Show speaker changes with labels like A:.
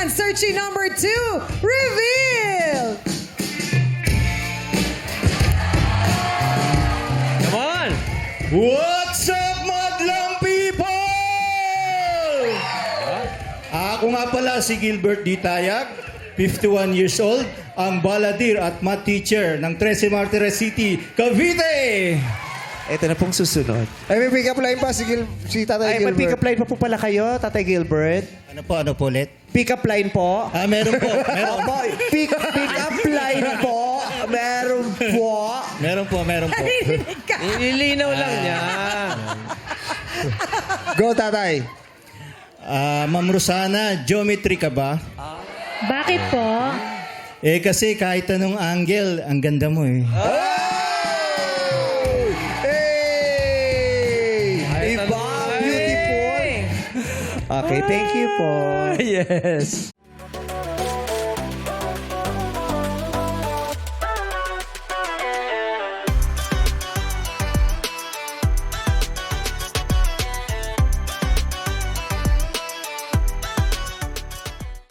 A: naman, searching number 2, reveal!
B: Come on!
C: What's up, madlang people? Ako nga pala si Gilbert D. Tayag, 51 years old, ang baladir at math teacher ng 13 Martires City, Cavite.
D: Ito na pong susunod.
E: Ay, may pick-up line pa si Tatay
D: Ay, may
E: Gilbert.
D: pick-up line pa po pala kayo, Tatay Gilbert.
C: Ano po ulit?
D: Pick-up line po.
C: Meron po, meron.
D: Opo, pick-up line po. Meron po.
C: Meron po.
B: Ililinaw lang niya.
E: Go, Tatay.
C: Ma'am Rosana, geometry ka ba?
F: Bakit po?
C: Kasi kahit anong angle, ang ganda mo eh.
D: Hey! Iba, beautiful. Okay, thank you po.
B: Yes.